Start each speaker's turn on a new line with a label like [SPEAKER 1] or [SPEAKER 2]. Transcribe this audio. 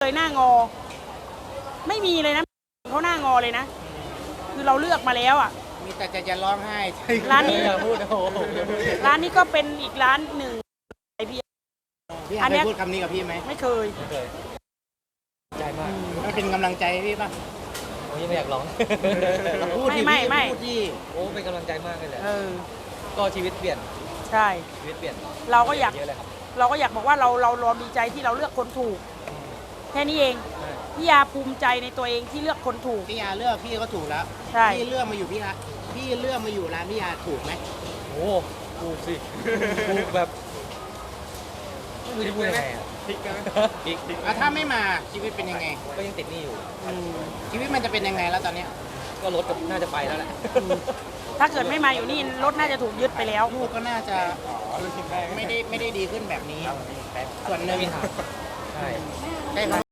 [SPEAKER 1] เลยหน้างอไม่มีเลยนะเขาหน้างอเลยนะคือเราเลือกมาแล้วอ่ะ
[SPEAKER 2] มีแต่จะร้องไห้
[SPEAKER 1] ร้านนี้
[SPEAKER 3] อย่าพูดโอ้โห
[SPEAKER 1] ร้านนี้ก็เป็นอีกร้านหนึ่งไอพี่
[SPEAKER 2] พี่
[SPEAKER 1] อันเนี้
[SPEAKER 2] เค
[SPEAKER 1] ย
[SPEAKER 2] ยพูดคำนี้กับพี่ไหม
[SPEAKER 1] ไม่เคย
[SPEAKER 3] ไม่เคยใจมาก
[SPEAKER 2] มันเป็นกำลังใจให้พี่ป่ะ
[SPEAKER 3] โอ้ยไม่อยากร้อง
[SPEAKER 2] พูดที่
[SPEAKER 1] ไม่
[SPEAKER 2] พี่
[SPEAKER 1] ไม่
[SPEAKER 2] พูดที่
[SPEAKER 3] โอ้เป็นกำลังใจมากเลยแหละ ก็ชีวิตเปลี่ยน
[SPEAKER 1] ใช่
[SPEAKER 3] ชีวิตเปลี่ยน
[SPEAKER 1] เราก็อยาก
[SPEAKER 3] เยอะเลยครับ
[SPEAKER 1] เราก็อยากบอกว่าเราดีใจที่เราเลือกคนถูกแค่นี้เอง
[SPEAKER 3] ใช่
[SPEAKER 1] พี่ยาภูมิใจในตัวเองที่เลือกคนถูก
[SPEAKER 2] พี่ยาเลือกพี่ก็ถูกแล้ว
[SPEAKER 1] ใช่
[SPEAKER 2] พี่เลือกมาอยู่พี่เลือกมาอยู่ร้านพี่ยาถูกไหม
[SPEAKER 3] โอ้ถูกสิถูกแบบไม่รู้จะพูดยังไงอ่ะพลิกพลิก
[SPEAKER 2] ถ้าไม่มาชีวิตเป็นยังไง
[SPEAKER 3] ก็ยังติดหนี้อยู่
[SPEAKER 2] ชีวิตมันจะเป็นยังไงแล้วตอนเนี้ย
[SPEAKER 3] ก็รถก็น่าจะไปแล้วแหละ
[SPEAKER 1] ถ้าเกิดไม่มาอยู่นี่รถน่าจะถูกยึดไปแล้ว
[SPEAKER 2] ลูกก็น่าจะไม่ได้ดีขึ้นแบบนี้ ส่วนหนึ่ง
[SPEAKER 3] ไม่มีทางใช่
[SPEAKER 2] ใช่ครับ